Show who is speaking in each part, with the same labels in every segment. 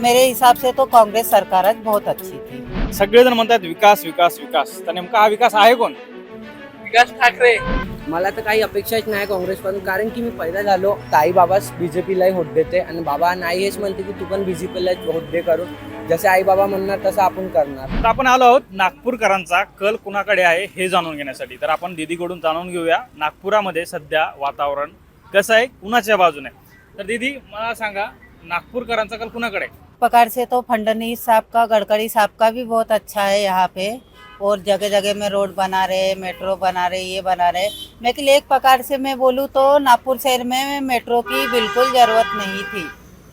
Speaker 1: मेरे हिसाब से तो कांग्रेस सरकारच बहुत अच्छी थी।
Speaker 2: सगळेजण म्हणतात विकास विकास विकास, तर नेमका हा विकास आहे कोण?
Speaker 3: विकास ठाकरे.
Speaker 4: मला तर काही अपेक्षाच नाही काँग्रेसपासून, कारण की मी पैदा झालो ताई बाबाच बीजेपीलाही होत देते आणि बाबा नाही हेच म्हणते की तू पण बीजेपीला होत दे करून. जसे आई बाबा म्हणणार तसं आपण करणार.
Speaker 2: तर आपण आलो आहोत नागपूरकरांचा कल कुणाकडे आहे हे जाणून घेण्यासाठी. तर आपण दीदीकडून जाणून घेऊया नागपुरामध्ये सध्या वातावरण कसं आहे, कुणाच्या बाजूने. तर दीदी मला सांगा, नागपूरकरांचा कल कुणाकडे?
Speaker 1: प्रकार से तो फडणवीस साहब का, गडकरी साहब का भी बहुत अच्छा है यहाँ पे, और जगह जगह में रोड बना रहे, मेट्रो बना रहे, ये बना रहे। लेकिन एक प्रकार से मैं बोलूँ तो नागपुर शहर में मेट्रो की बिल्कुल ज़रूरत नहीं थी।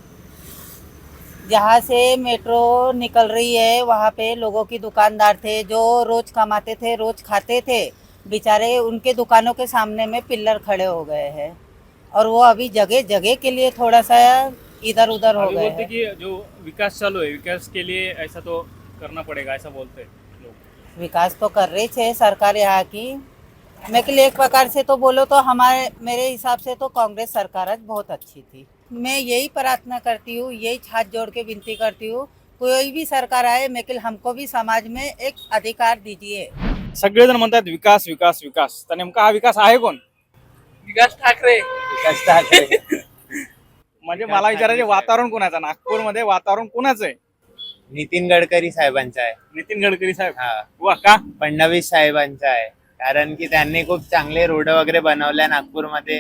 Speaker 1: जहाँ से मेट्रो निकल रही है वहाँ पे लोगों की दुकानदार थे जो रोज़ कमाते थे, रोज़ खाते थे, बेचारे उनके दुकानों के सामने में पिल्लर खड़े हो गए हैं, और वो अभी जगह जगह के लिए थोड़ा सा इधर उधर हो
Speaker 2: अभी
Speaker 1: गए
Speaker 2: बोलते
Speaker 1: हैं।
Speaker 2: कि जो विकास चालू है, विकास के लिए ऐसा तो करना पड़ेगा, ऐसा बोलते हैं लोग।
Speaker 1: विकास तो कर रही है सरकार यहाँ की। मैं के लिए एक प्रकार से तो बोलो तो मेरे हिसाब से तो कांग्रेस सरकार बहुत अच्छी थी। मैं यही प्रार्थना करती हूँ, यही हाथ जोड़ के विनती करती हूँ, कोई भी सरकार आए मैं हमको भी समाज में एक अधिकार दीजिए।
Speaker 2: सगळेजण म्हणतात विकास विकास विकास, तर नेमका हा विकास आहे कोण?
Speaker 3: विकास ठाकरे.
Speaker 4: विकास ठाकरे.
Speaker 2: म्हणजे मला विचारायचे, वातावरण कोणाचं नागपूरमध्ये, वातावरण कोणाचं आहे?
Speaker 5: नितीन गडकरी साहेबांचा आहे.
Speaker 2: नितीन गडकरी साहेब.
Speaker 5: हा,
Speaker 2: वा का?
Speaker 5: फडणवीस साहेबांचा आहे. कारण की त्यांनी खूप चांगले रोड वगैरे बनवल्या नागपूरमध्ये.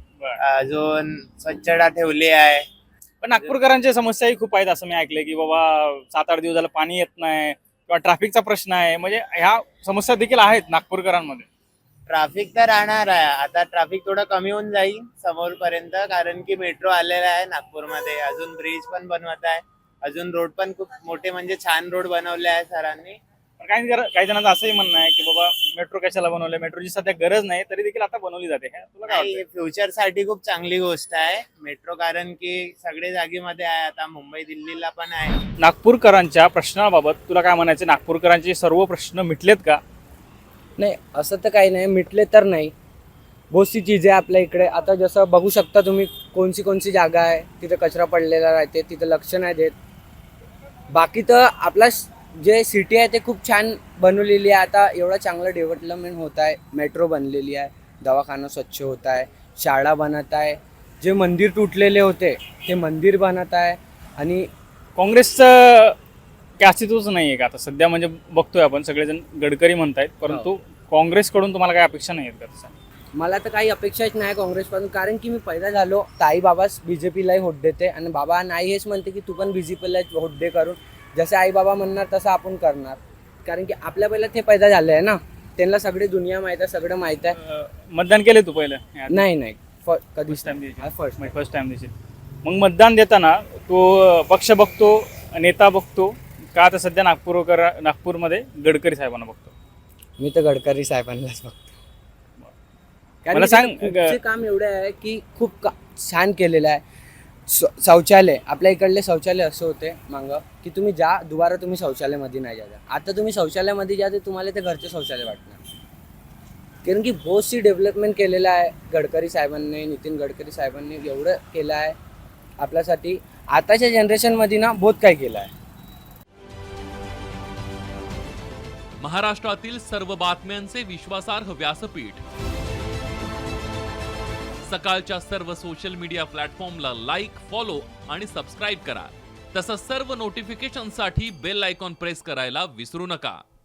Speaker 5: अजून स्वच्छता ठेवली आहे.
Speaker 2: पण नागपूरकरांच्या समस्याही खूप आहेत असं मी ऐकलंय, की बाबा 7-8 दिवस झालं पाणी येत नाही किंवा ट्रॅफिकचा प्रश्न आहे. म्हणजे ह्या समस्या देखील आहेत नागपूरकरांमध्ये.
Speaker 5: ट्रॅफिक तर राहणार आहे. आता ट्रॅफिक थोडं कमी होऊन जाईल समोरपर्यंत, कारण की मेट्रो आलेला आहे नागपूरमध्ये. अजून ब्रिज पण बनवत आहे. अजून रोड पण खूप मोठे, म्हणजे छान रोड बनवले आहे सरांनी.
Speaker 2: पण काही जणांचं असंही म्हणणं आहे की बाबा मेट्रो कशाला बनवले, मेट्रोची सध्या गरज नाही तरी देखील आता बनवली जाते. तुला काय वाटतं?
Speaker 5: फ्युचर साठी खूप चांगली गोष्ट आहे मेट्रो, कारण की सगळे जागेमध्ये आहे. आता मुंबई दिल्लीला पण आहे.
Speaker 2: नागपूरकरांच्या प्रश्नाबाबत तुला काय म्हणायचं? नागपूरकरांचे सर्व प्रश्न मिटलेत का?
Speaker 4: नाही असं तर काही नाही, मिटले तर नाही. बहुत सी चीज़ें आपल्या इकडे आता जसं बघू शकता तुम्ही, कोणची जागा आहे तिथे कचरा पडलेला राहते, तिथं लक्ष नाही देत. बाकी तर आपला जे सिटी आहे ते खूप छान बनवलेली आहे. आता एवढं चांगलं डेव्हलपमेंट होत आहे. मेट्रो बनलेली आहे, दवाखाना स्वच्छ होत आहे, शाळा बनत आहे, जे मंदिर तुटलेले होते ते मंदिर बनत आहे. आणि
Speaker 2: काँग्रेसचं काय अस्तित्वच नाही आहे का आता सध्या? म्हणजे बघतोय आपण सगळेजण गडकरी म्हणतायत, परंतु काँग्रेसकडून तुम्हाला काय अपेक्षा नाही आहेत का तसं?
Speaker 4: मला तर काही अपेक्षाच नाही काँग्रेसपासून, कारण की मी पैदा झालो ताई बाबाच बीजेपीलाही होत देते आणि बाबा नाही हेच म्हणते की तू पण बीजेपीला होत दे करून. जसे आई बाबा म्हणणार तसं आपण करणार, कारण की आपल्या पहिला ते पैदा झाले आहे ना, त्यांना सगळी दुनिया माहीत आहे, सगळं माहीत आहे.
Speaker 2: मतदान केले तू पहिलं?
Speaker 4: नाही कधीच
Speaker 2: टाइम
Speaker 4: फर्स्ट.
Speaker 2: फर्स्ट टाइम देशील. मग मतदान देताना तो पक्ष बघतो, नेता बघतो का? आता सध्या नागपूरमध्ये गडकरी साहेबांना बघतो.
Speaker 4: मी तर गडकरी साहेबांनाच बघतो.
Speaker 2: मला सांग,
Speaker 4: खूपचे काम एवढे आहे की खूप छान केलेलं आहे. शौचालय, आपल्या इकडले शौचालय असं होते मागं की तुम्ही जा दुबारा तुम्ही शौचालयामध्ये नाही जा. आता तुम्ही शौचालयामध्ये जा तर तुम्हाला ते घरचे शौचालय वाटणार, कारण की बहुत सी डेव्हलपमेंट केलेलं आहे गडकरी साहेबांनी. नितीन गडकरी साहेबांनी एवढं केलं आहे आपल्यासाठी. आताच्या जनरेशनमध्ये ना बहुत काही केलं आहे.
Speaker 6: महाराष्ट्रातील सर्व बातम्यांचे विश्वासार्ह व्यासपीठ, सकाळच्या सर्व सोशल मीडिया प्लॅटफॉर्मला लाईक, फॉलो आणि सबस्क्राईब करा. तसंच सर्व नोटिफिकेशनसाठी बेल आयकॉन प्रेस करायला विसरू नका.